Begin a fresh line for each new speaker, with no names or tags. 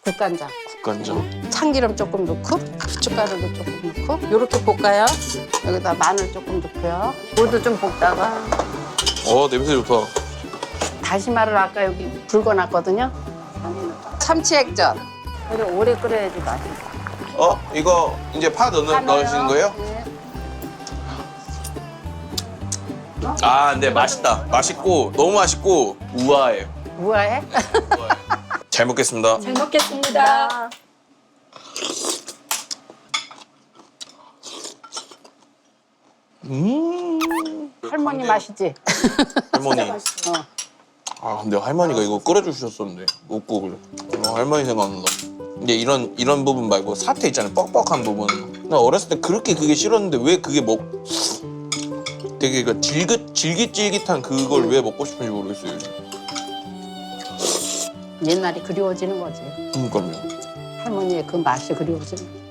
국간장.
국간장.
참기름 조금 넣고 고춧가루도 조금 넣고 이렇게 볶아요. 여기다 마늘 조금 넣고요. 물도 좀 볶다가
냄새 좋다.
다시마를 아까 여기 붉어놨거든요. 참치 액젓. 그리고 오래 끓여야지 맛있어.
이거 이제 파 넣으시는 거예요?
네.
아, 근데 맛있다. 맛있고 너무 맛있고 우아해요.
우아해?
잘 먹겠습니다.
잘 먹겠습니다.
할머니 맛이지?
할머니.
어.
아, 근데 할머니가 이거 끓여주셨었는데 묵국을. 할머니 생각난다. 근데 이런 부분 말고 사태 있잖아요. 뻑뻑한 부분. 나 어렸을 때 그렇게 그게 싫었는데 왜 그게 되게 그 질깃질깃한 그걸 왜 먹고 싶은지 모르겠어요. 요즘.
옛날이 그리워지는 거지.
그러니까요.
할머니의 그 맛이 그리워지는 거지.